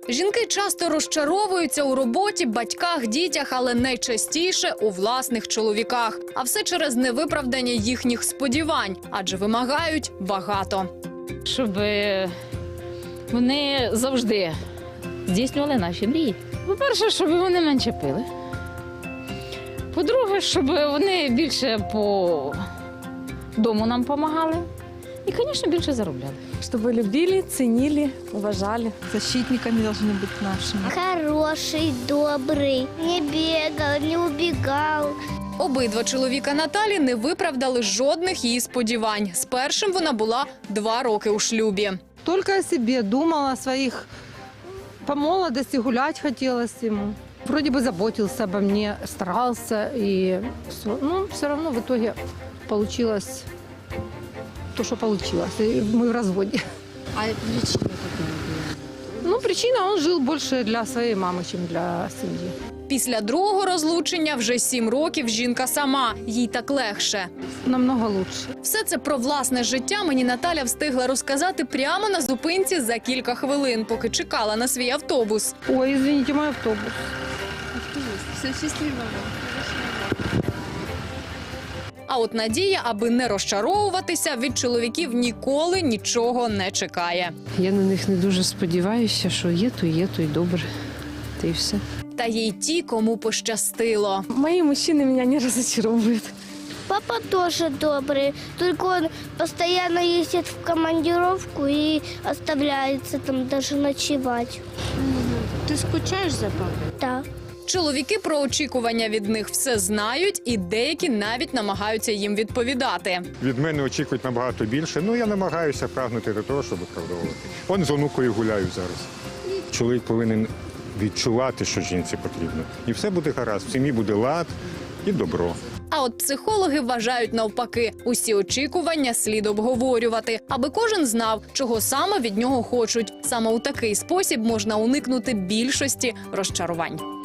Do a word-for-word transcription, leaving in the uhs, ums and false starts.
Жінки часто розчаровуються у роботі, батьках, дітях, але найчастіше у власних чоловіках. А все через невиправдання їхніх сподівань, адже вимагають багато. Щоб вони завжди здійснювали наші мрії. По-перше, щоб вони менше пили. По-друге, щоб вони більше по дому нам допомагали. І, звісно, більше заробляли. Чтобы любили, ценили, уважали. Защитниками должны быть нашими. Хороший, добрый, не бегал, не убегал. Обидва чоловіка Наталі не виправдали жодних її сподівань. З першим вона була два роки у шлюбі. Только о себе думала, о своих. По молодости гулять хотелось ему. Вроде бы заботился обо мне, старался. И все. Но все равно в итоге получилось то, что получилось. И мы в разводе. А причина какая была? Ну, причина, он жил больше для своей мамы, чем для семьи. Після другого розлучення вже сім років жінка сама. Їй так легше. Намного лучше. Все це про власне життя мені Наталя встигла розказати прямо на зупинці за кілька хвилин, поки чекала на свій автобус. Ой, извините, мой автобус. Все счастливо. А от Надія, аби не розчаровуватися, від чоловіків ніколи нічого не чекає. Я на них не дуже сподіваюся, що є, то є, то й добре. Та й все. Та є й ті, кому пощастило. Мои мужчины меня не разочаровывают. Папа тоже добрый, только он постоянно ездит в командировку и оставляется там даже ночевать. Ты скучаешь за папой? Да. Чоловіки про очікування від них все знають, і деякі навіть намагаються їм відповідати. Від мене очікують набагато більше. Ну, я намагаюся прагнути до того, щоб виправдовувати. Он з онукою гуляю зараз. Чоловік повинен відчувати, що жінці потрібно. І все буде гаразд. В сім'ї буде лад і добро. А от психологи вважають навпаки. Усі очікування слід обговорювати, аби кожен знав, чого саме від нього хочуть. Саме у такий спосіб можна уникнути більшості розчарувань.